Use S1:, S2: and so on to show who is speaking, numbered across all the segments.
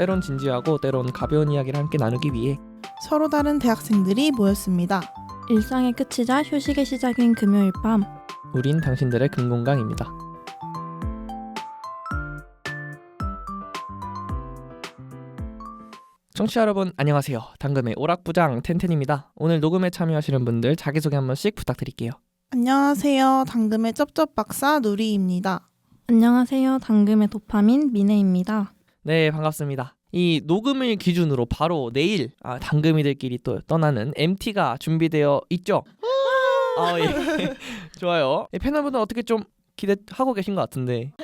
S1: 때론 진지하고 때론 가벼운 이야기를 함께 나누기 위해
S2: 서로 다른 대학생들이 모였습니다.
S3: 일상의 끝이자 휴식의 시작인 금요일 밤,
S1: 우린 당신들의 금공강입니다. 청취자 여러분 안녕하세요. 당금의 오락부장 텐텐입니다. 오늘 녹음에 참여하시는 분들 자기소개 한 번씩 부탁드릴게요.
S2: 안녕하세요. 당금의 쩝쩝박사 누리입니다.
S3: 안녕하세요. 당금의 도파민 미네입니다.
S1: 네, 반갑습니다. 이 녹음을 기준으로 바로 내일 당금이들끼리 또 떠나는 MT가 준비되어 있죠? 예. 좋아요. 패널분들 어떻게 좀 기대하고 계신 것 같은데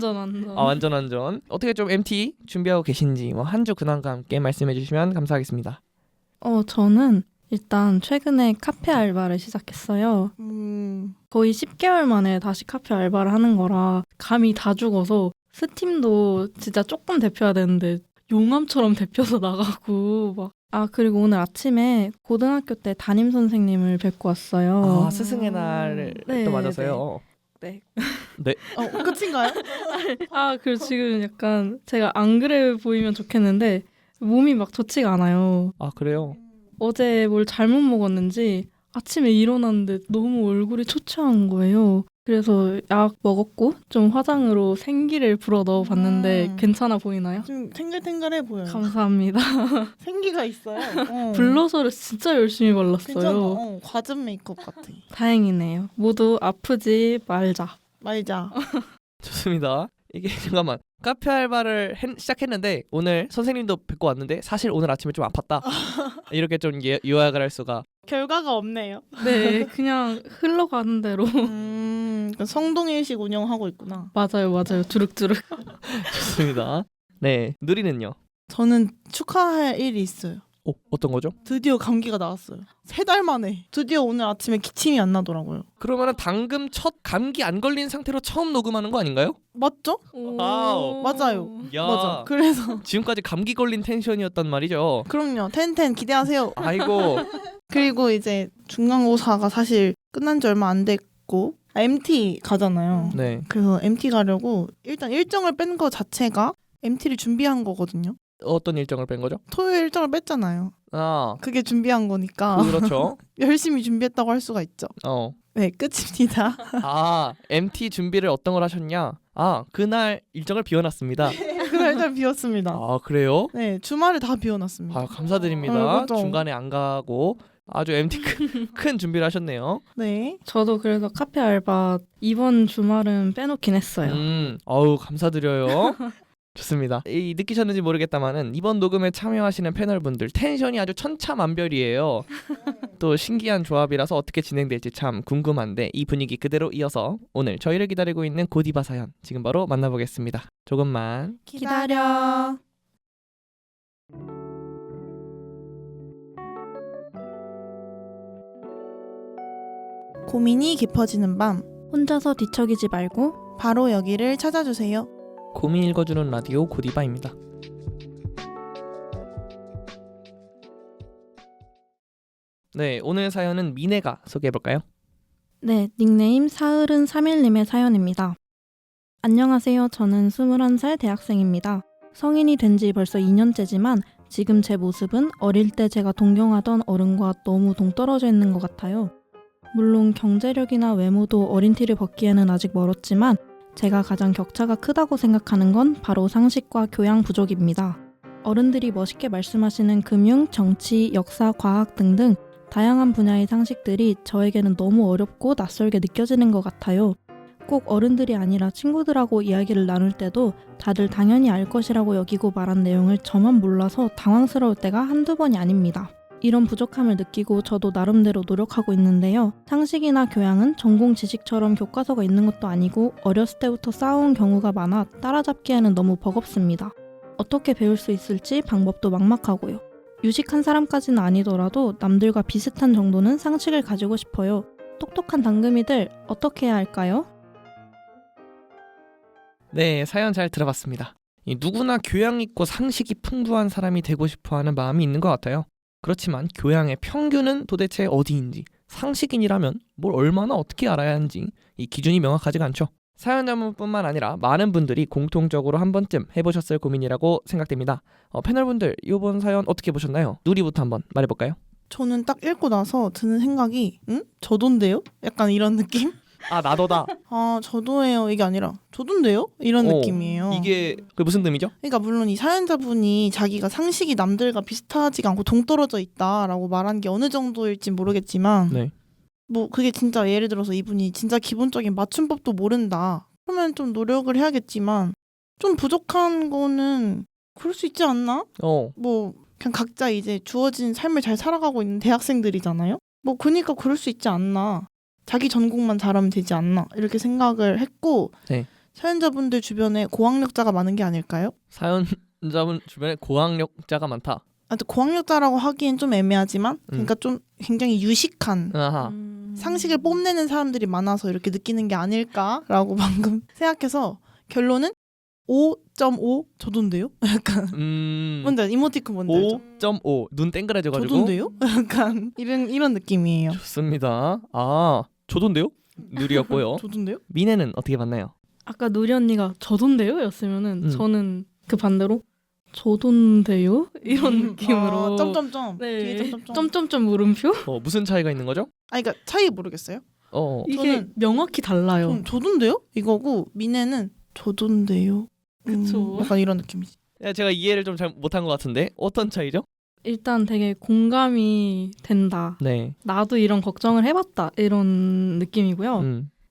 S1: 완전 어떻게 좀 MT 준비하고 계신지 한 주 근황과 함께 말씀해 주시면 감사하겠습니다.
S3: 저는 일단 최근에 카페 알바를 시작했어요. 거의 10개월 만에 다시 카페 알바를 하는 거라 감이 다 죽어서 스팀도 진짜 조금 데펴야 되는데 용암처럼 데펴서 나가고 막. 그리고 오늘 아침에 고등학교 때 담임 선생님을 뵙고 왔어요.
S1: 스승의 날을
S3: 네,
S1: 또 맞아서요.
S3: 네.
S1: 네.
S2: 끝인가요?
S3: 그리고 지금 약간 제가 안 그래 보이면 좋겠는데 몸이 막 좋지가 않아요.
S1: 그래요?
S3: 어제 뭘 잘못 먹었는지 아침에 일어났는데 너무 얼굴이 초췌한 거예요. 그래서 약 먹었고 좀 화장으로 생기를 불어 넣어봤는데 괜찮아 보이나요?
S2: 좀 탱글탱글해 보여요.
S3: 감사합니다.
S2: 생기가 있어요.
S3: 블러셔를 진짜 열심히 발랐어요.
S2: 괜찮아. 과즙 메이크업 같아.
S3: 다행이네요. 모두 아프지 말자.
S1: 좋습니다. 이게 잠깐만 카페 알바를 시작했는데 오늘 선생님도 뵙고 왔는데 사실 오늘 아침에 좀 아팠다. 이렇게 좀 요약을 할 수가.
S2: 결과가 없네요.
S3: 네, 그냥 흘러가는 대로.
S2: 성동일식 운영하고 있구나.
S3: 맞아요. 두룩두룩.
S1: 좋습니다. 네, 누리는요?
S2: 저는 축하할 일이 있어요.
S1: 어떤 거죠?
S2: 드디어 감기가 나왔어요. 3달 만에. 드디어 오늘 아침에 기침이 안 나더라고요.
S1: 그러면은 당금 첫 감기 안 걸린 상태로 처음 녹음하는 거 아닌가요?
S2: 맞죠?
S1: 와우.
S2: 맞아요.
S1: 야,
S2: 맞아. 그래서
S1: 지금까지 감기 걸린 텐션이었단 말이죠.
S2: 그럼요. 텐텐 기대하세요.
S1: 아이고.
S2: 그리고 이제 중간고사가 사실 끝난 지 얼마 안 됐고 MT 가잖아요.
S1: 네.
S2: 그래서 MT 가려고 일단 일정을 뺀 거 자체가 MT를 준비한 거거든요.
S1: 어떤 일정을 뺀 거죠?
S2: 토요일 일정을 뺐잖아요.
S1: 아,
S2: 그게 준비한 거니까
S1: 그렇죠.
S2: 열심히 준비했다고 할 수가 있죠. 네, 끝입니다.
S1: MT 준비를 어떤 걸 하셨냐? 그날 일정을 비워놨습니다.
S2: 그날 일단 비웠습니다.
S1: 그래요?
S2: 네, 주말을 다 비워놨습니다.
S1: 감사드립니다.
S2: 그렇죠.
S1: 중간에 안 가고 아주 MT 큰 준비를 하셨네요.
S2: 네.
S3: 저도 그래서 카페 알바 이번 주말은 빼놓긴 했어요.
S1: 감사드려요. 좋습니다. 느끼셨는지 모르겠다마는 이번 녹음에 참여하시는 패널분들 텐션이 아주 천차만별이에요. 또 신기한 조합이라서 어떻게 진행될지 참 궁금한데 이 분위기 그대로 이어서 오늘 저희를 기다리고 있는 고디바 사연 지금 바로 만나보겠습니다. 조금만
S2: 기다려. 고민이 깊어지는 밤,
S3: 혼자서 뒤척이지 말고
S2: 바로 여기를 찾아주세요.
S1: 고민 읽어주는 라디오 고디바입니다. 네, 오늘 사연은 미네가 소개해볼까요?
S3: 네, 닉네임 사흘은 3일님의 사연입니다. 안녕하세요. 저는 21살 대학생입니다. 성인이 된 지 벌써 2년째지만 지금 제 모습은 어릴 때 제가 동경하던 어른과 너무 동떨어져 있는 것 같아요. 물론 경제력이나 외모도 어린 티를 벗기에는 아직 멀었지만 제가 가장 격차가 크다고 생각하는 건 바로 상식과 교양 부족입니다. 어른들이 멋있게 말씀하시는 금융, 정치, 역사, 과학 등등 다양한 분야의 상식들이 저에게는 너무 어렵고 낯설게 느껴지는 것 같아요. 꼭 어른들이 아니라 친구들하고 이야기를 나눌 때도 다들 당연히 알 것이라고 여기고 말한 내용을 저만 몰라서 당황스러울 때가 한두 번이 아닙니다. 이런 부족함을 느끼고 저도 나름대로 노력하고 있는데요. 상식이나 교양은 전공 지식처럼 교과서가 있는 것도 아니고 어렸을 때부터 쌓아온 경우가 많아 따라잡기에는 너무 버겁습니다. 어떻게 배울 수 있을지 방법도 막막하고요. 유식한 사람까지는 아니더라도 남들과 비슷한 정도는 상식을 가지고 싶어요. 똑똑한 당금이들 어떻게 해야 할까요?
S1: 네, 사연 잘 들어봤습니다. 누구나 교양 있고 상식이 풍부한 사람이 되고 싶어하는 마음이 있는 것 같아요. 그렇지만 교양의 평균은 도대체 어디인지, 상식인이라면 뭘 얼마나 어떻게 알아야 하는지 이 기준이 명확하지가 않죠. 사연자분뿐만 아니라 많은 분들이 공통적으로 한 번쯤 해보셨을 고민이라고 생각됩니다. 패널분들 이번 사연 어떻게 보셨나요? 누리부터 한번 말해볼까요?
S2: 저는 딱 읽고 나서 드는 생각이 저도인데요? 약간 이런 느낌?
S1: 아 나도다.
S2: 아 저도예요 이게 아니라 저도인데요? 이런 느낌이에요.
S1: 이게 그 무슨 의미죠?
S2: 그러니까 물론 이 사연자분이 자기가 상식이 남들과 비슷하지가 않고 동떨어져 있다라고 말한 게 어느 정도일지 모르겠지만
S1: 네.
S2: 뭐 그게 진짜 예를 들어서 이분이 진짜 기본적인 맞춤법도 모른다. 그러면 좀 노력을 해야겠지만 좀 부족한 거는 그럴 수 있지 않나? 뭐 그냥 각자 이제 주어진 삶을 잘 살아가고 있는 대학생들이잖아요. 뭐 그러니까 그럴 수 있지 않나. 자기 전공만 잘하면 되지 않나 이렇게 생각을 했고
S1: 네.
S2: 사연자분들 주변에 고학력자가 많은 게 아닐까요?
S1: 사연자분 주변에 고학력자가 많다.
S2: 또 고학력자라고 하기엔 좀 애매하지만 그러니까 좀 굉장히 유식한
S1: 아하.
S2: 상식을 뽐내는 사람들이 많아서 이렇게 느끼는 게 아닐까라고 방금 생각해서 결론은 5.5 저도인데요? 약간 뭔지 알죠? 이모티콘 뭔지 알죠?
S1: 5.5 눈 땡그라져가지고
S2: 저도인데요? 약간 이런 느낌이에요.
S1: 좋습니다. 아 저도인데요? 누리였고요.
S2: 저도인데요?
S1: 미네는 어떻게 봤나요?
S3: 아까 누리 언니가 저돈데요? 였으면은 저는 그 반대로 저돈데요? 이런 느낌으로
S2: 점점점
S3: 네.
S2: 뒤에 점점점
S3: 점점점 물음표?
S1: 무슨 차이가 있는 거죠?
S2: 그러니까 차이 모르겠어요.
S3: 이게 명확히 달라요.
S2: 전 저도인데요? 이거고 미네는 저도인데요.
S3: 그쵸.
S2: 약간 이런 느낌이지.
S1: 제가 이해를 좀 잘 못한 것 같은데 어떤 차이죠?
S3: 일단 되게 공감이 된다.
S1: 네.
S3: 나도 이런 걱정을 해봤다. 이런 느낌이고요.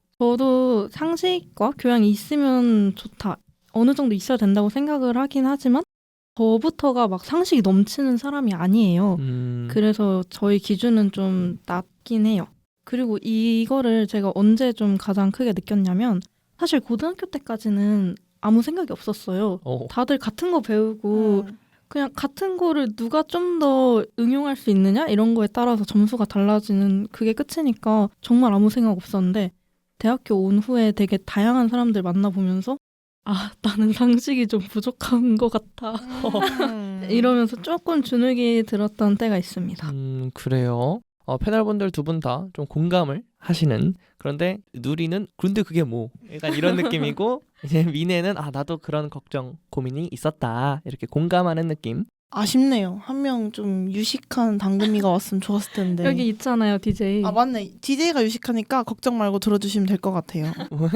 S3: 저도 상식과 교양이 있으면 좋다. 어느 정도 있어야 된다고 생각을 하긴 하지만 저부터가 막 상식이 넘치는 사람이 아니에요. 그래서 저희 기준은 좀 낮긴 해요. 그리고 이거를 제가 언제 좀 가장 크게 느꼈냐면 사실 고등학교 때까지는 아무 생각이 없었어요. 다들 같은 거 배우고 그냥 같은 거를 누가 좀 더 응용할 수 있느냐 이런 거에 따라서 점수가 달라지는 그게 끝이니까 정말 아무 생각 없었는데 대학교 온 후에 되게 다양한 사람들 만나보면서 아 나는 상식이 좀 부족한 것 같아 이러면서 조금 주눅이 들었던 때가 있습니다.
S1: 그래요. 패널분들 두 분 다 좀 공감을 하시는 그런데 누리는 근데 그게 뭐 약간 이런 느낌이고 이제 미네는 나도 그런 걱정 고민이 있었다 이렇게 공감하는 느낌.
S2: 아쉽네요. 한 명 좀 유식한 당금이가 왔으면 좋았을 텐데.
S3: 여기 있잖아요 DJ.
S2: 아 맞네. DJ가 유식하니까 걱정 말고 들어주시면 될 것 같아요.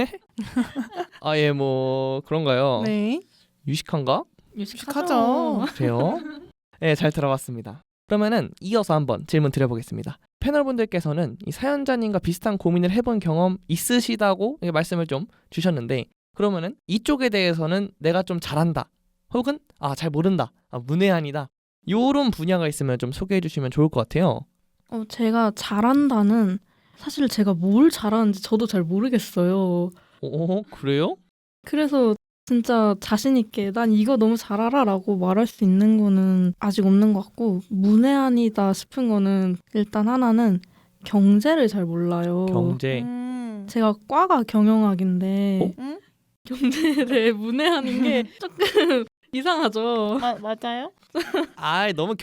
S1: 왜? 예, 뭐 그런가요?
S2: 네.
S1: 유식한가?
S2: 유식하죠.
S1: 그래요? 네, 잘 들어봤습니다. 그러면은 이어서 한번 질문 드려보겠습니다. 패널분들께서는 이 사연자님과 비슷한 고민을 해본 경험 있으시다고 말씀을 좀 주셨는데 그러면은 이쪽에 대해서는 내가 좀 잘한다 혹은 잘 모른다 문외한이다 요런 분야가 있으면 좀 소개해 주시면 좋을 것 같아요.
S3: 제가 잘한다는 사실 제가 뭘 잘하는지 저도 잘 모르겠어요.
S1: 그래요?
S3: 그래서 진짜 자신 있게 난 이거 너무 잘 알아라고 말할 수 있는 거는 아직 없는 것 같고 문외한이다 싶은 거는 일단 하나는 경제를 잘 몰라요.
S1: 경제.
S3: 제가 과가 경영학인데
S2: 응?
S3: 경제에 대해 문외한인 게 조금 이상하죠.
S2: 맞아요?
S1: 너무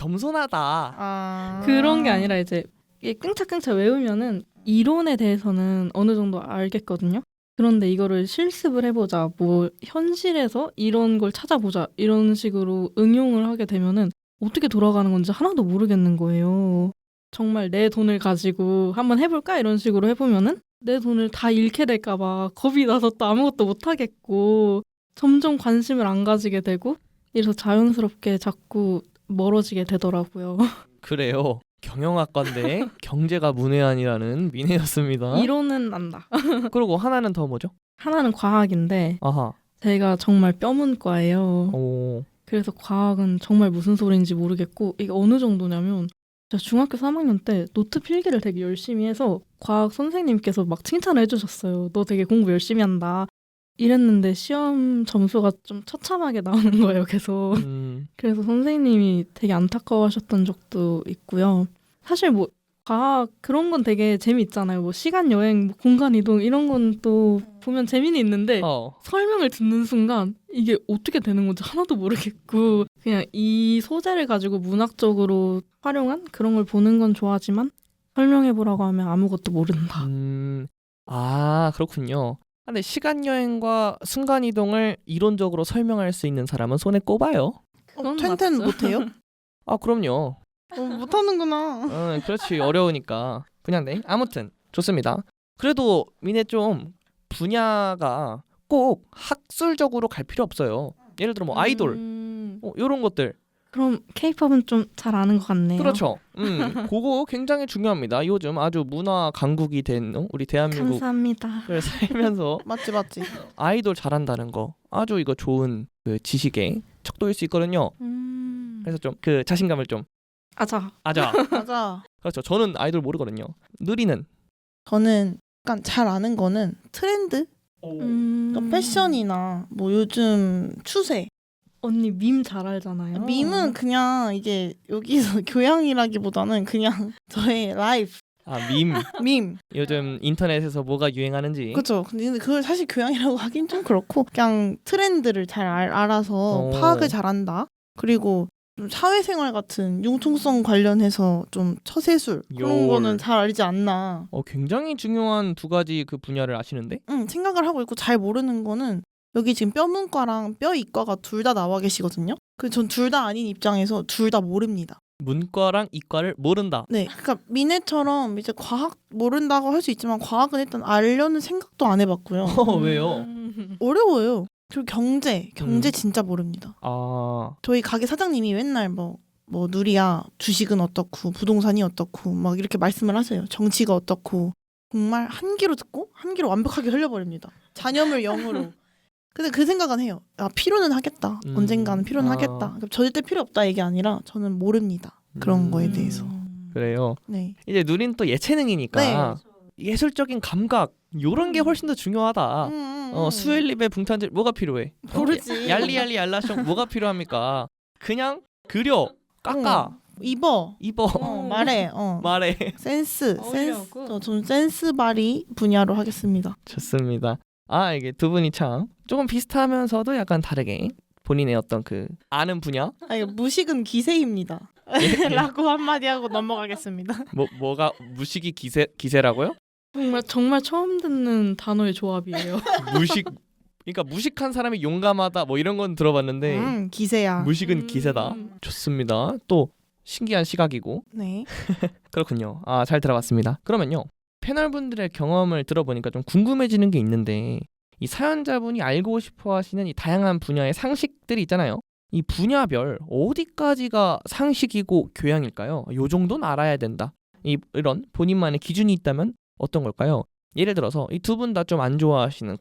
S1: 겸손하다.
S3: 그런 게 아니라 이제 이게 끙차끙차 외우면은 이론에 대해서는 어느 정도 알겠거든요. 그런데 이거를 실습을 해보자, 뭐 현실에서 이런 걸 찾아보자 이런 식으로 응용을 하게 되면은 어떻게 돌아가는 건지 하나도 모르겠는 거예요. 정말 내 돈을 가지고 한번 해볼까 이런 식으로 해보면은 내 돈을 다 잃게 될까 봐 겁이 나서 또 아무것도 못 하겠고 점점 관심을 안 가지게 되고 이래서 자연스럽게 자꾸 멀어지게 되더라고요.
S1: 그래요. 경영학과인데 경제가 문외한이라는 미네였습니다.
S3: 이론은 안다.
S1: 그리고 하나는 더 뭐죠?
S3: 하나는 과학인데
S1: 아하.
S3: 제가 정말 뼈문과예요.
S1: 오.
S3: 그래서 과학은 정말 무슨 소리인지 모르겠고 이게 어느 정도냐면 제가 중학교 3학년 때 노트 필기를 되게 열심히 해서 과학 선생님께서 막 칭찬을 해주셨어요. 너 되게 공부 열심히 한다. 이랬는데 시험 점수가 좀 처참하게 나오는 거예요, 계속. 그래서 선생님이 되게 안타까워하셨던 적도 있고요. 사실 뭐 과학 그런 건 되게 재미있잖아요. 뭐 시간 여행, 뭐 공간 이동 이런 건 또 보면 재미는 있는데 설명을 듣는 순간 이게 어떻게 되는 건지 하나도 모르겠고 그냥 이 소재를 가지고 문학적으로 활용한 그런 걸 보는 건 좋아하지만 설명해보라고 하면 아무것도 모른다.
S1: 그렇군요. 근데 시간 여행과 순간 이동을 이론적으로 설명할 수 있는 사람은 손에 꼽아요.
S3: 그건
S2: 텐텐
S3: 맞죠.
S2: 못해요?
S1: 아 그럼요.
S2: 못하는구나.
S1: 그렇지 어려우니까 분야인데 아무튼 좋습니다. 그래도 미네 좀 분야가 꼭 학술적으로 갈 필요 없어요. 예를 들어 뭐 아이돌 이런 것들
S3: 그럼 케이팝은 좀 잘 아는 것 같네요.
S1: 그렇죠. 그거 굉장히 중요합니다. 요즘 아주 문화 강국이 된 우리 대한민국을
S3: 감사합니다.
S1: 살면서
S2: 맞지.
S1: 아이돌 잘한다는 거 아주 이거 좋은 그 지식에 척도일 수 있거든요. 그래서 좀 그 자신감을 좀
S3: 아자.
S1: 아자.
S2: 맞아.
S1: 그렇죠. 저는 아이돌 모르거든요. 느리는
S2: 저는 약간 잘 아는 거는 트렌드? 그러니까 패션이나 뭐 요즘 추세.
S3: 언니 밈 잘 알잖아요.
S2: 밈은 그냥 이게 여기서 교양이라기보다는 그냥 저의 라이프.
S1: 밈.
S2: 밈.
S1: 요즘 인터넷에서 뭐가 유행하는지.
S2: 그렇죠. 근데 그걸 사실 교양이라고 하긴 좀 그렇고 그냥 트렌드를 잘 알아서 파악을 잘한다. 그리고 좀 사회생활 같은 융통성 관련해서 좀 처세술 그런 거는 잘 알지 않나.
S1: 굉장히 중요한 두 가지 그 분야를 아시는데?
S2: 생각을 하고 있고 잘 모르는 거는 여기 지금 뼈문과랑 뼈이과가 둘 다 나와 계시거든요. 그 전 둘 다 아닌 입장에서 둘 다 모릅니다.
S1: 문과랑 이과를 모른다.
S2: 네, 그러니까 미네처럼 이제 과학 모른다고 할 수 있지만 과학은 일단 알려는 생각도 안 해봤고요.
S1: 왜요?
S2: 어려워요. 그리고 경제 진짜 모릅니다. 저희 가게 사장님이 맨날 뭐 누리야 주식은 어떻고 부동산이 어떻고 막 이렇게 말씀을 하세요. 정치가 어떻고 정말 한 귀로 듣고 한 귀로 완벽하게 흘려버립니다. 잔여물 0으로. 근데 그 생각은 해요. 필요는 하겠다. 언젠가는 필요는 하겠다. 절대 필요 없다 얘기 아니라 저는 모릅니다. 그런 거에 대해서.
S1: 그래요.
S2: 네.
S1: 이제 누린 또 예체능이니까 예술적인 감각 요런 게 훨씬 더 중요하다. 수엘립의 붕탄질 뭐가 필요해?
S2: 모르지.
S1: 얄리얄리 얄라숑 뭐가 필요합니까? 그냥 그려 깎아
S2: 입어 말해
S1: 말해.
S2: 센스
S3: 어울려고.
S2: 좀 센스 발휘 분야로 하겠습니다.
S1: 좋습니다. 이게 두 분이 참 조금 비슷하면서도 약간 다르게 본인의 어떤 그 아는 분야
S2: 이거 무식은 기세입니다. 라고 한마디 하고 넘어가겠습니다.
S1: 뭐가 무식이 기세라고요?
S3: 정말 처음 듣는 단어의 조합이에요.
S1: 무식 그러니까 무식한 사람이 용감하다 뭐 이런 건 들어봤는데
S2: 기세야.
S1: 무식은 기세다. 좋습니다. 또 신기한 시각이고.
S2: 네.
S1: 그렇군요. 잘 들어봤습니다. 그러면요. 패널분들의 경험을 들어보니까 좀 궁금해지는 게 있는데 이 사연자분이 알고 싶어 하시는 이 다양한 분야의 상식들이 있잖아요. 이 분야별 어디까지가 상식이고 교양일까요? 요 정도는 알아야 된다. 이런 본인만의 기준이 있다면 어떤 걸까요? 예를 들어서 이 두 분 다 좀 안 좋아하시는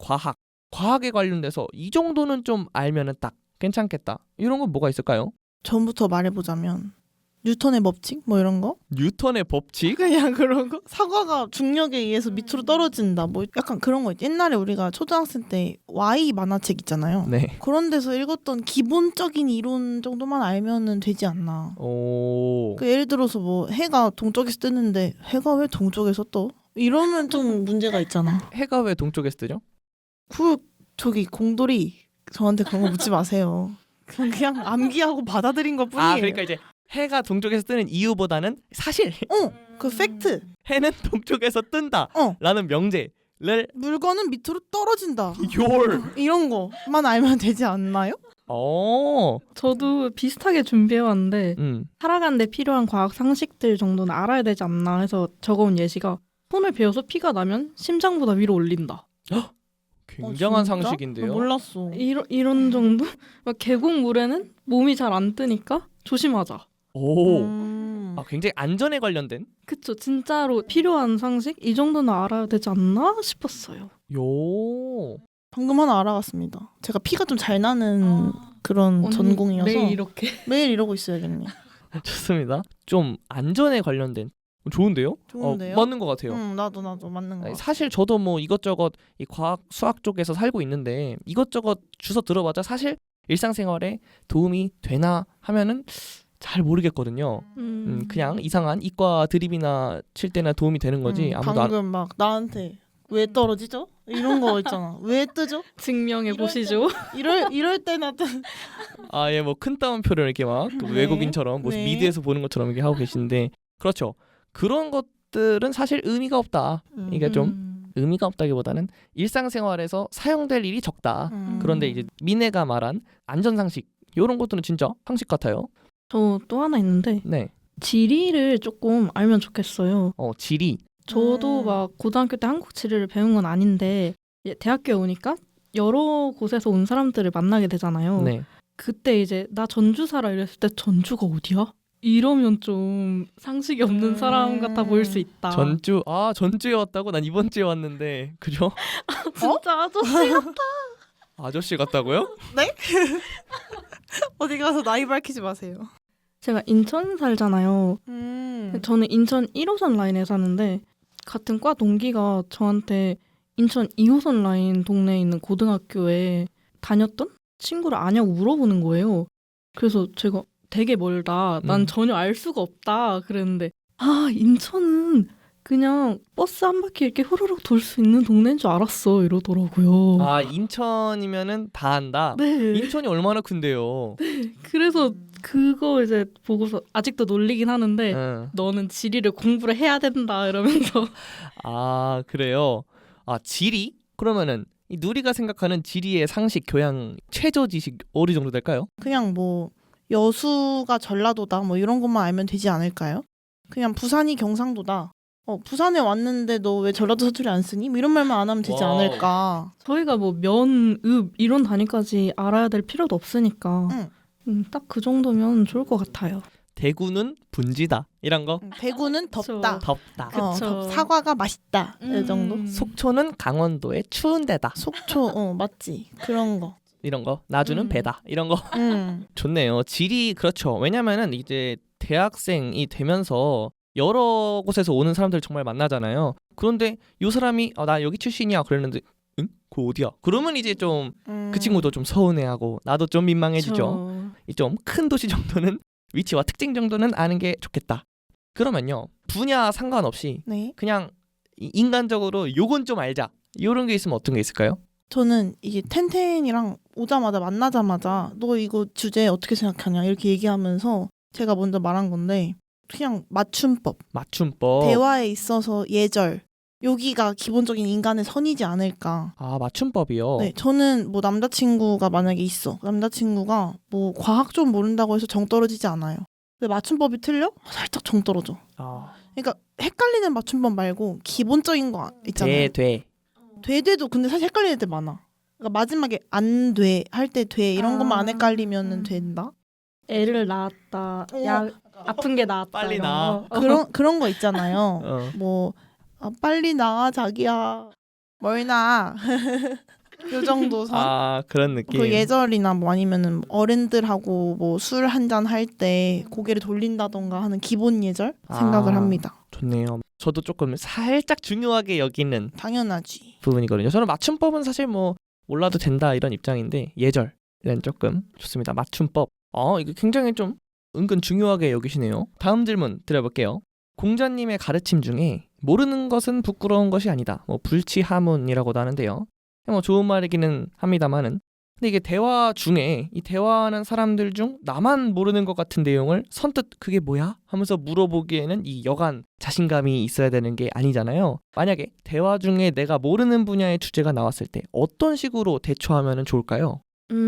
S1: 과학에 관련돼서 이 정도는 좀 알면은 딱 괜찮겠다. 이런 건 뭐가 있을까요?
S2: 전부터 말해보자면 뉴턴의 법칙 뭐 이런 거?
S1: 뉴턴의 법칙?
S2: 그냥 그런 거? 사과가 중력에 의해서 밑으로 떨어진다 뭐 약간 그런 거 있지. 옛날에 우리가 초등학생 때 Y 만화책 있잖아요.
S1: 네.
S2: 그런 데서 읽었던 기본적인 이론 정도만 알면은 되지 않나. 예를 들어서 뭐 해가 동쪽에서 뜨는데 해가 왜 동쪽에서 떠? 이러면 좀 문제가 있잖아.
S1: 해가 왜 동쪽에서 뜨죠?
S2: 저기 공돌이 저한테 그런 거 묻지 마세요. 그냥 암기하고 받아들인 것 뿐이에요.
S1: 그러니까 이제 해가 동쪽에서 뜨는 이유보다는 사실
S2: 그 팩트.
S1: 해는 동쪽에서 뜬다 라는 명제를
S2: 물건은 밑으로 떨어진다.
S1: 열
S2: 이런 거만 알면 되지 않나요?
S3: 저도 비슷하게 준비해왔는데 살아가는데 필요한 과학 상식들 정도는 알아야 되지 않나 해서 적어온 예시가 손을 베어서 피가 나면 심장보다 위로 올린다.
S1: 굉장한
S2: 진짜?
S1: 상식인데요.
S2: 몰랐어.
S3: 이런 정도? 막 계곡물에는 몸이 잘 안 뜨니까 조심하자.
S1: 굉장히 안전에 관련된.
S3: 그쵸. 진짜로 필요한 상식? 이 정도는 알아야 되지 않나 싶었어요.
S2: 방금 하나 알아갔습니다. 제가 피가 좀 잘 나는 그런 전공이어서 매일 이러고 있어야겠네.
S1: 좋습니다. 좀 안전에 관련된. 좋은데요?
S2: 좋은데요?
S1: 맞는 것 같아요.
S2: 나도 맞는 것 같아.
S1: 사실 저도 뭐 이것저것 이 과학 수학 쪽에서 살고 있는데 이것저것 주워 들어봤자 사실 일상생활에 도움이 되나 하면은 잘 모르겠거든요. 그냥 이상한 이과 드립이나 칠 때나 도움이 되는 거지.
S2: 방금 막 나한테 왜 떨어지죠? 이런 거 있잖아. 왜 뜨죠?
S3: 증명해 보시죠.
S2: 이럴 때나
S1: 뭐 큰 따옴표를 이렇게 막 외국인처럼 뭐 미드에서 보는 것처럼 이렇게 하고 계시는데 그렇죠. 그런 것들은 사실 의미가 없다. 이게 좀 의미가 없다기보다는 일상생활에서 사용될 일이 적다. 그런데 이제 미네가 말한 안전상식 이런 것들은 진짜 상식 같아요.
S3: 저 또 하나 있는데
S1: 네.
S3: 지리를 조금 알면 좋겠어요.
S1: 지리.
S3: 저도 막 고등학교 때 한국 지리를 배운 건 아닌데 이제 대학교에 오니까 여러 곳에서 온 사람들을 만나게 되잖아요.
S1: 네.
S3: 그때 이제 나 전주 살아 이랬을 때 전주가 어디야? 이러면 좀 상식이 없는 사람 같아 보일 수 있다.
S1: 전주에 왔다고? 난 이번 주에 왔는데. 그죠?
S3: 진짜 아저씨 같아.
S1: 아저씨 같다고요?
S2: 어디 가서 나이 밝히지 마세요.
S3: 제가 인천 살잖아요. 저는 인천 1호선 라인에 사는데 같은 과 동기가 저한테 인천 2호선 라인 동네에 있는 고등학교에 다녔던 친구를 아냐고 물어보는 거예요. 그래서 제가 되게 멀다. 난 전혀 알 수가 없다. 그랬는데 인천은 그냥 버스 한 바퀴 이렇게 후루룩 돌 수 있는 동네인 줄 알았어. 이러더라고요.
S1: 인천이면은 다 안다.
S3: 네.
S1: 인천이 얼마나 큰데요.
S3: 그래서 그거 이제 보고서 아직도 놀리긴 하는데
S1: 응.
S3: 너는 지리를 공부를 해야 된다 이러면서.
S1: 그래요. 지리? 그러면은 이 누리가 생각하는 지리의 상식, 교양, 최저 지식 어느 정도 될까요?
S2: 그냥 뭐 여수가 전라도다 뭐 이런 것만 알면 되지 않을까요? 그냥 부산이 경상도다. 부산에 왔는데 너 왜 전라도 사투리 안 쓰니? 뭐 이런 말만 안 하면 되지
S1: 와우.
S2: 않을까.
S3: 저희가 뭐 면, 읍 이런 단위까지 알아야 될 필요도 없으니까 딱 그 정도면 좋을 것 같아요.
S1: 대구는 분지다. 이런 거.
S2: 대구는 덥다.
S1: 덥다.
S3: 그쵸.
S2: 사과가 맛있다. 이 정도.
S1: 속초는 강원도의 추운 데다.
S2: 속초 맞지. 그런 거.
S1: 이런 거. 나주는 배다. 이런 거. 좋네요. 지리 그렇죠. 왜냐면은 이제 대학생이 되면서 여러 곳에서 오는 사람들 정말 만나잖아요. 그런데 이 사람이 나 여기 출신이야 그랬는데 응? 그거 어디야? 그러면 이제 좀 그 친구도 좀 서운해하고 나도 좀 민망해지죠. 좀 큰 도시 정도는 위치와 특징 정도는 아는 게 좋겠다. 그러면요. 분야 상관없이
S2: 네.
S1: 그냥 인간적으로 요건 좀 알자. 이런 게 있으면 어떤 게 있을까요?
S2: 저는 이게 텐텐이랑 오자마자 만나자마자 너 이거 주제 어떻게 생각하냐 이렇게 얘기하면서 제가 먼저 말한 건데 그냥 맞춤법. 대화에 있어서 예절. 여기가 기본적인 인간의 선이지 않을까.
S1: 맞춤법이요?
S2: 네, 저는 뭐 남자친구가 만약에 있어. 남자친구가 뭐 과학 좀 모른다고 해서 정 떨어지지 않아요. 근데 맞춤법이 틀려? 살짝 정 떨어져. 그러니까 헷갈리는 맞춤법 말고 기본적인 거 있잖아요. 돼도 근데 사실 헷갈리는 데 많아. 그러니까 마지막에 안 돼 할 때 돼 이런 것만 안 헷갈리면 된다.
S3: 애를 낳았다. 아픈 게 나았다.
S1: 빨리
S3: 이런
S1: 낳아.
S3: 거.
S2: 그런 거 있잖아요. 뭐 빨리 나아 자기야. 뭘 낳아. 요 정도 선.
S1: 그런 느낌.
S2: 그 예절이나 뭐 아니면은 어른들하고 뭐 술 한잔 할 때 고개를 돌린다던가 하는 기본 예절 생각을 합니다.
S1: 좋네요. 저도 조금 살짝 중요하게 여기는
S2: 당연하지.
S1: 부분이거든요. 저는 맞춤법은 사실 뭐 몰라도 된다 이런 입장인데 예절은 조금 좋습니다. 맞춤법. 이거 굉장히 좀 은근 중요하게 여기시네요. 다음 질문 드려볼게요. 공자님의 가르침 중에 모르는 것은 부끄러운 것이 아니다. 뭐 불치하문이라고도 하는데요. 뭐 좋은 말이기는 합니다만은 근데 이게 대화 중에 이 대화하는 사람들 중 나만 모르는 것 같은 내용을 선뜻 그게 뭐야? 하면서 물어보기에는 이 여간 자신감이 있어야 되는 게 아니잖아요. 만약에 대화 중에 내가 모르는 분야의 주제가 나왔을 때 어떤 식으로 대처하면 좋을까요?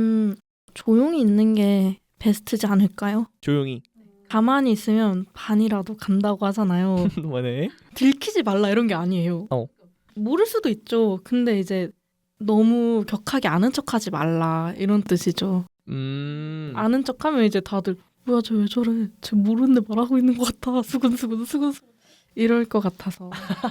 S3: 조용히 있는 게 베스트지 않을까요?
S1: 조용히.
S3: 가만히 있으면 반이라도 간다고 하잖아요.
S1: 뭐네?
S3: 들키지 말라 이런 게 아니에요. 모를 수도 있죠. 근데 이제 너무 격하게 아는 척하지 말라 이런 뜻이죠. 아는 척하면 이제 다들 뭐야 쟤 왜 저래? 쟤 모르는데 말하고 있는 것 같아. 수근수근 이럴 것 같아서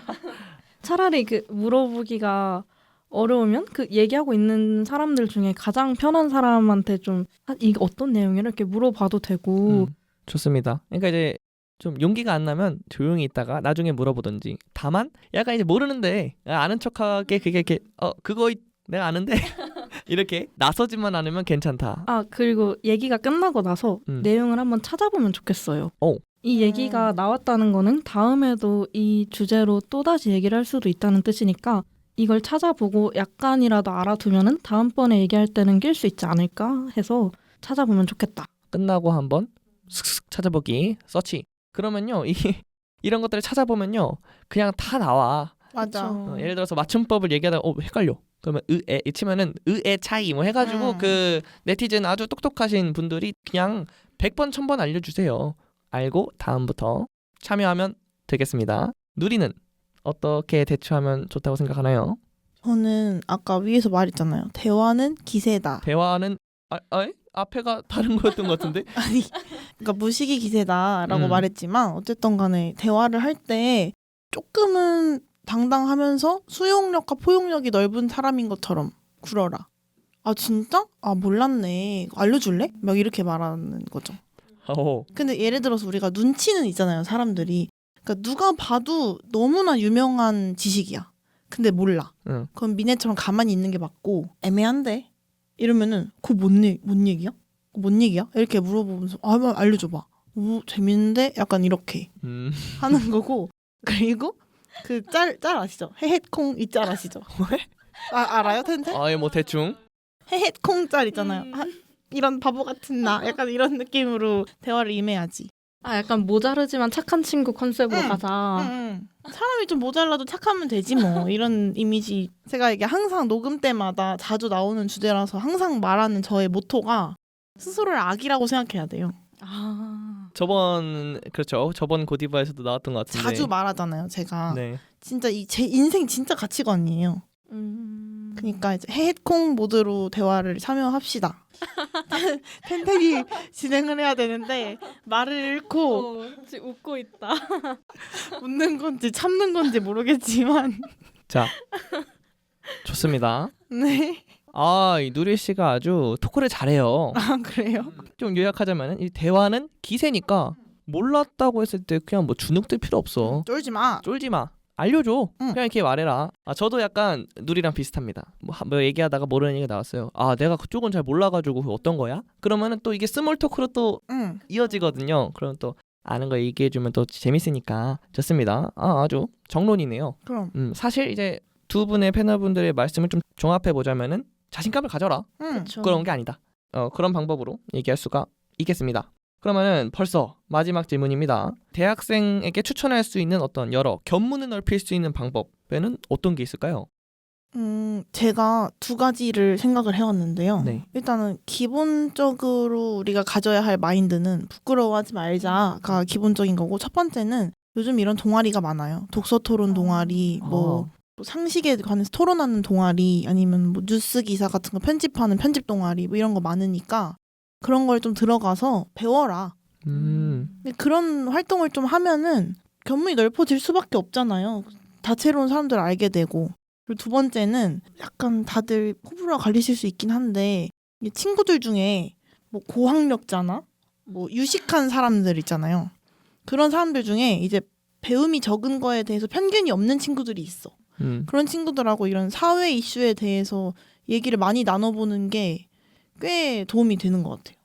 S3: 차라리 그 물어보기가 어려우면 그 얘기하고 있는 사람들 중에 가장 편한 사람한테 좀 이게 어떤 내용이라 이렇게 물어봐도 되고.
S1: 좋습니다. 그러니까 이제 좀 용기가 안 나면 조용히 있다가 나중에 물어보든지. 다만 약간 이제 모르는데 아는 척하게 그게 이렇게 그거 내가 아는데 이렇게 나서지만 않으면 괜찮다.
S3: 그리고 얘기가 끝나고 나서 내용을 한번 찾아보면 좋겠어요. 이 얘기가 나왔다는 거는 다음에도 이 주제로 또다시 얘기를 할 수도 있다는 뜻이니까 이걸 찾아보고 약간이라도 알아두면은 다음번에 얘기할 때는 낄 수 있지 않을까 해서 찾아보면 좋겠다.
S1: 끝나고 한번 슥슥 찾아보기 서치. 그러면요 이런 것들을 찾아보면요 그냥 다 나와.
S2: 맞아.
S3: 그쵸.
S1: 예를 들어서 맞춤법을 얘기하다가 헷갈려. 그러면 의에 치면은 의의 차이 뭐 해가지고 그 네티즌 아주 똑똑하신 분들이 그냥 100번 1000번 알려주세요. 알고 다음부터 참여하면 되겠습니다. 누리는 어떻게 대처하면 좋다고 생각하나요?
S2: 저는 아까 위에서 말했잖아요. 대화는 기세다.
S1: 대화는 앞에가 다른 거였던 것 같은데.
S2: 아니, 그러니까 무식이 기세다라고
S1: 음.
S2: 말했지만 어쨌든 간에 대화를 할 때 조금은 당당하면서 수용력과 포용력이 넓은 사람인 것처럼 굴어라. 아 진짜? 아 몰랐네. 알려줄래? 막 이렇게 말하는 거죠. 근데 예를 들어서 우리가 눈치는 있잖아요. 사람들이. 그러니까 누가 봐도 너무나 유명한 지식이야. 근데 몰라.
S1: 응.
S2: 그럼 미네처럼 가만히 있는 게 맞고 애매한데? 이러면은 그거 뭔 얘기야? 그거 뭔 얘기야? 이렇게 물어보면서 한번 알려줘봐. 오 재밌는데? 약간 이렇게 하는 거고. 그리고 그 짤 아시죠? 헤헷콩 이 짤 아시죠? 알아요? 텐텐?
S1: 뭐 대충.
S2: 헤헷콩 짤 있잖아요. 이런 바보 같은 나 약간 이런 느낌으로 대화를 임해야지.
S3: 약간 모자르지만 착한 친구 컨셉으로 가자.
S2: 사람이 좀 모자라도 착하면 되지 뭐 이런 이미지. 제가 이게 항상 녹음 때마다 자주 나오는 주제라서 항상 말하는 저의 모토가 스스로를 악이라고 생각해야 돼요.
S1: 저번 고디바에서도 나왔던 것 같은데.
S2: 자주 말하잖아요 제가.
S1: 네.
S2: 진짜 제 인생 진짜 가치관이에요. 그러니까 이제 헤헷콩 모드로 대화를 참여합시다. 텐텐이 진행을 해야 되는데 말을 잃고
S3: 지금 웃고 있다.
S2: 웃는 건지 참는 건지 모르겠지만
S1: 자, 좋습니다.
S2: 네.
S1: 이 누리 씨가 아주 토크를 잘해요.
S2: 아 그래요?
S1: 좀 요약하자면 이 대화는 기세니까 몰랐다고 했을 때 그냥 뭐 주눅들 필요 없어.
S2: 쫄지 마.
S1: 쫄지 마. 알려줘.
S2: 응.
S1: 그냥 이렇게 말해라. 저도 약간 누리랑 비슷합니다. 뭐 얘기하다가 모르는 얘기가 나왔어요. 내가 그쪽은 잘 몰라가지고 그거 어떤 거야? 그러면은 또 이게 스몰 토크로 또
S2: 응.
S1: 이어지거든요. 그럼 또 아는 거 얘기해주면 또 재밌으니까 좋습니다. 아주 정론이네요.
S2: 그럼.
S1: 사실 이제 두 분의 패널분들의 말씀을 좀 종합해 보자면은 자신감을 가져라.
S2: 응.
S1: 부끄러운 게 아니다. 그런 방법으로 얘기할 수가 있겠습니다. 그러면은 벌써 마지막 질문입니다. 대학생에게 추천할 수 있는 어떤 여러 견문을 넓힐 수 있는 방법에는 어떤 게 있을까요?
S2: 제가 두 가지를 생각을 해왔는데요.
S1: 네.
S2: 일단은 기본적으로 우리가 가져야 할 마인드는 부끄러워하지 말자가 기본적인 거고, 첫 번째는 요즘 이런 동아리가 많아요. 독서 토론 동아리, 뭐 상식에 관해서 토론하는 동아리, 아니면 뭐 뉴스 기사 같은 거 편집하는 편집 동아리, 뭐 이런 거 많으니까 그런 걸 좀 들어가서 배워라. 근데 그런 활동을 좀 하면은 견문이 넓어질 수밖에 없잖아요. 다채로운 사람들을 알게 되고. 그리고 두 번째는 약간 다들 호불호가 갈리실 수 있긴 한데, 친구들 중에 뭐 고학력자나 뭐 유식한 사람들 있잖아요. 그런 사람들 중에 이제 배움이 적은 거에 대해서 편견이 없는 친구들이 있어. 그런 친구들하고 이런 사회 이슈에 대해서 얘기를 많이 나눠보는 게 꽤 도움이 되는 것 같아요.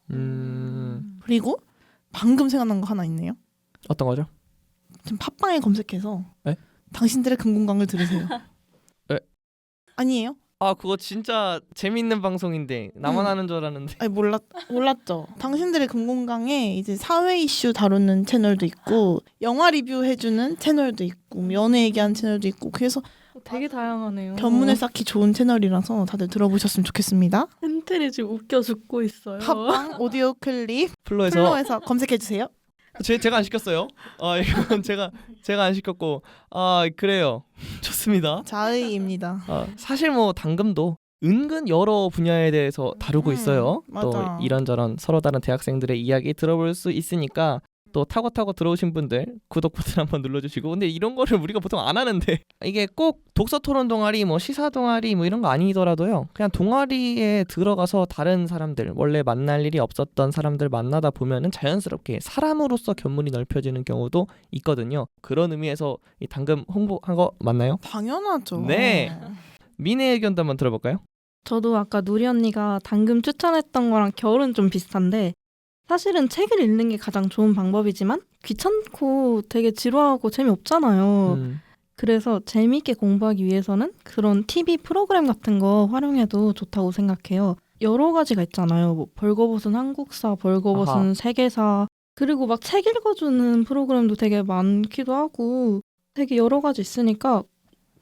S2: 그리고 방금 생각난 거 하나 있네요.
S1: 어떤 거죠?
S2: 지금 팟빵에 검색해서
S1: 에?
S2: 당신들의 금공강을 들으세요.
S1: 에?
S2: 아니에요?
S1: 그거 진짜 재밌는 방송인데 나만 아는 줄 알았는데.
S2: 아니 몰랐죠. 당신들의 금공강에 이제 사회 이슈 다루는 채널도 있고, 영화 리뷰 해주는 채널도 있고, 연애 얘기하는 채널도 있고, 그래서
S3: 되게 다양하네요.
S2: 견문을 쌓기 좋은 채널이라서 다들 들어보셨으면 좋겠습니다.
S3: 헨텔이 지금 웃겨 죽고 있어요.
S2: 팟빵 오디오 클립
S1: 플로에서
S2: 검색해 주세요.
S1: 제가 안 시켰어요. 이건 제가 안 시켰고. 그래요. 좋습니다.
S2: 자의입니다.
S1: 사실 뭐 당금도 은근 여러 분야에 대해서 다루고 있어요. 또
S2: 맞아.
S1: 이런저런 서로 다른 대학생들의 이야기 들어볼 수 있으니까 또 타고 들어오신 분들 구독 버튼 한번 눌러주시고. 근데 이런 거를 우리가 보통 안 하는데 이게 꼭 독서 토론 동아리 뭐 시사 동아리 뭐 이런 거 아니더라도요, 그냥 동아리에 들어가서 다른 사람들, 원래 만날 일이 없었던 사람들 만나다 보면은 자연스럽게 사람으로서 견문이 넓혀지는 경우도 있거든요. 그런 의미에서 이 당금 홍보한 거 맞나요?
S2: 당연하죠.
S1: 네. 미네 의견도 한번 들어볼까요?
S3: 저도 아까 누리 언니가 당금 추천했던 거랑 결은 좀 비슷한데, 사실은 책을 읽는 게 가장 좋은 방법이지만 귀찮고 되게 지루하고 재미없잖아요. 그래서 재미있게 공부하기 위해서는 그런 TV 프로그램 같은 거 활용해도 좋다고 생각해요. 여러 가지가 있잖아요. 뭐 벌거벗은 한국사, 벌거벗은
S1: 아하.
S3: 세계사, 그리고 막 책 읽어주는 프로그램도 되게 많기도 하고 되게 여러 가지 있으니까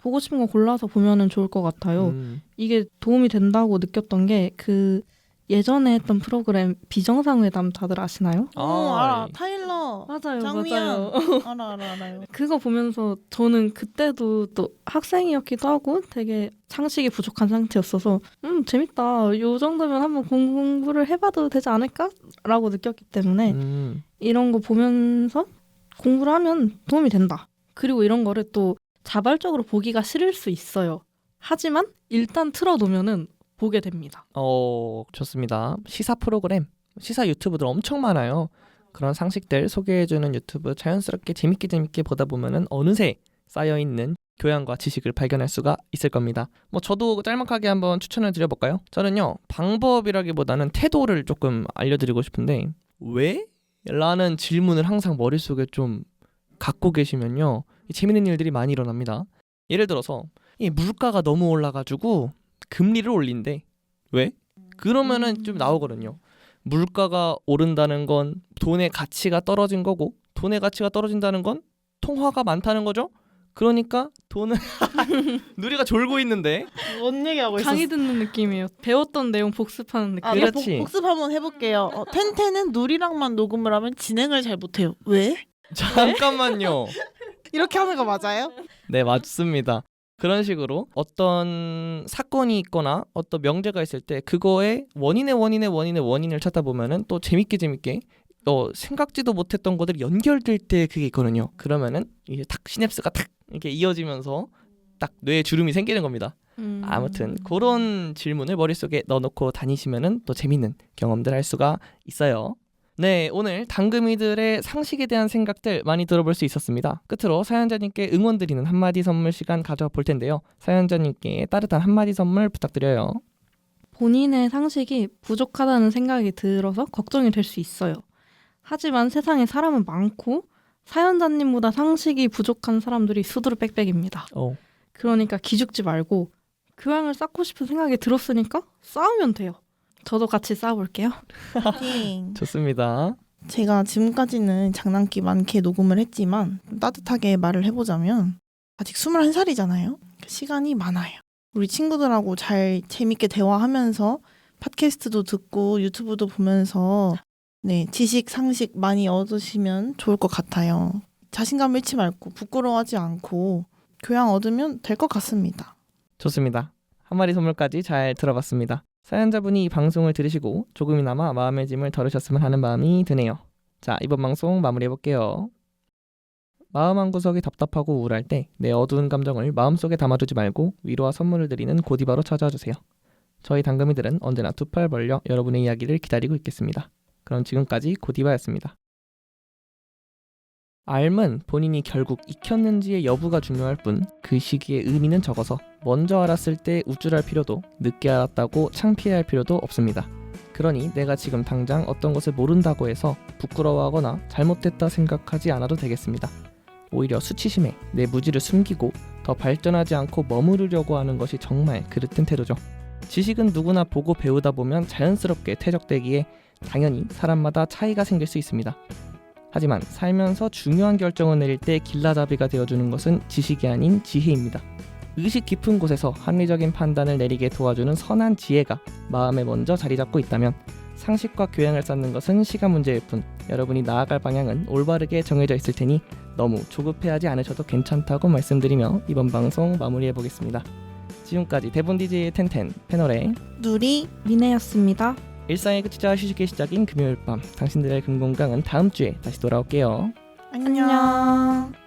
S3: 보고 싶은 거 골라서 보면은 좋을 것 같아요. 이게 도움이 된다고 느꼈던 게 그 예전에 했던 프로그램 비정상회담 다들 아시나요?
S2: 알아. 타일러.
S3: 맞아요,
S2: 장미연.
S3: 맞아요.
S2: 알아요.
S3: 그거 보면서 저는 그때도 또 학생이었기도 하고 되게 상식이 부족한 상태였어서 재밌다. 요 정도면 한번 공부를 해봐도 되지 않을까라고 느꼈기 때문에 이런 거 보면서 공부를 하면 도움이 된다. 그리고 이런 거를 또 자발적으로 보기가 싫을 수 있어요. 하지만 일단 틀어놓으면은 보게 됩니다.
S1: 좋습니다. 시사 프로그램, 시사 유튜브들 엄청 많아요. 그런 상식들 소개해주는 유튜브 자연스럽게 재밌게 보다 보면은 어느새 쌓여있는 교양과 지식을 발견할 수가 있을 겁니다. 뭐 저도 짤막하게 한번 추천을 드려볼까요? 저는요, 방법이라기보다는 태도를 조금 알려드리고 싶은데 왜? 라는 질문을 항상 머릿속에 좀 갖고 계시면요, 재밌는 일들이 많이 일어납니다. 예를 들어서 이 물가가 너무 올라가지고 금리를 올린대. 왜? 그러면은 좀 나오거든요. 물가가 오른다는 건 돈의 가치가 떨어진 거고, 돈의 가치가 떨어진다는 건 통화가 많다는 거죠. 그러니까 돈은 누리가 졸고 있는데
S2: 뭔 얘기하고 있었어?
S3: 강의 듣는 느낌이에요. 배웠던 내용 복습하는 느낌.
S1: 그렇지.
S2: 복습 한번 해볼게요. 텐텐은 누리랑만 녹음을 하면 진행을 잘 못해요. 왜?
S1: 잠깐만요.
S2: 이렇게 하는 거 맞아요?
S1: 네, 맞습니다. 그런 식으로 어떤 사건이 있거나 어떤 명제가 있을 때 그거의 원인을 찾다 보면은 또 재밌게 생각지도 못했던 것들이 연결될 때 그게 있거든요. 그러면은 이제 탁 시냅스가 탁 이렇게 이어지면서 딱 뇌에 주름이 생기는 겁니다. 아무튼 그런 질문을 머릿속에 넣어놓고 다니시면은 또 재밌는 경험들 할 수가 있어요. 네, 오늘 당금이들의 상식에 대한 생각들 많이 들어볼 수 있었습니다. 끝으로 사연자님께 응원드리는 한마디 선물 시간 가져볼 텐데요. 사연자님께 따뜻한 한마디 선물 부탁드려요.
S3: 본인의 상식이 부족하다는 생각이 들어서 걱정이 될 수 있어요. 하지만 세상에 사람은 많고 사연자님보다 상식이 부족한 사람들이 수두룩 빽빽입니다. 그러니까 기죽지 말고 교양을 쌓고 싶은 생각이 들었으니까 쌓으면 돼요. 저도 같이 쌓아볼게요.
S1: 좋습니다.
S2: 제가 지금까지는 장난기 많게 녹음을 했지만 따뜻하게 말을 해보자면 아직 21살이잖아요. 시간이 많아요. 우리 친구들하고 잘 재밌게 대화하면서 팟캐스트도 듣고 유튜브도 보면서 지식, 상식 많이 얻으시면 좋을 것 같아요. 자신감 잃지 말고 부끄러워하지 않고 교양 얻으면 될 것 같습니다.
S1: 좋습니다. 한마디 선물까지 잘 들어봤습니다. 사연자분이 이 방송을 들으시고 조금이나마 마음의 짐을 덜으셨으면 하는 마음이 드네요. 자, 이번 방송 마무리해볼게요. 마음 한구석이 답답하고 우울할 때 내 어두운 감정을 마음속에 담아두지 말고 위로와 선물을 드리는 고디바로 찾아와주세요. 저희 당금이들은 언제나 두 팔 벌려 여러분의 이야기를 기다리고 있겠습니다. 그럼 지금까지 고디바였습니다. 알면 본인이 결국 익혔는지의 여부가 중요할 뿐 그 시기의 의미는 적어서 먼저 알았을 때 우쭐할 필요도 늦게 알았다고 창피해할 필요도 없습니다. 그러니 내가 지금 당장 어떤 것을 모른다고 해서 부끄러워하거나 잘못됐다 생각하지 않아도 되겠습니다. 오히려 수치심에 내 무지를 숨기고 더 발전하지 않고 머무르려고 하는 것이 정말 그릇된 태도죠. 지식은 누구나 보고 배우다 보면 자연스럽게 퇴적되기에 당연히 사람마다 차이가 생길 수 있습니다. 하지만 살면서 중요한 결정을 내릴 때 길라잡이가 되어주는 것은 지식이 아닌 지혜입니다. 의식 깊은 곳에서 합리적인 판단을 내리게 도와주는 선한 지혜가 마음에 먼저 자리 잡고 있다면 상식과 교양을 쌓는 것은 시간 문제일 뿐 여러분이 나아갈 방향은 올바르게 정해져 있을 테니 너무 조급해하지 않으셔도 괜찮다고 말씀드리며 이번 방송 마무리해보겠습니다. 지금까지 대본 DJ의 텐텐, 패널의
S2: 누리,
S3: 미네였습니다.
S1: 일상의 끝이자 휴식의 시작인 금요일 밤 당신들의 금공강은 다음 주에 다시 돌아올게요.
S2: 안녕.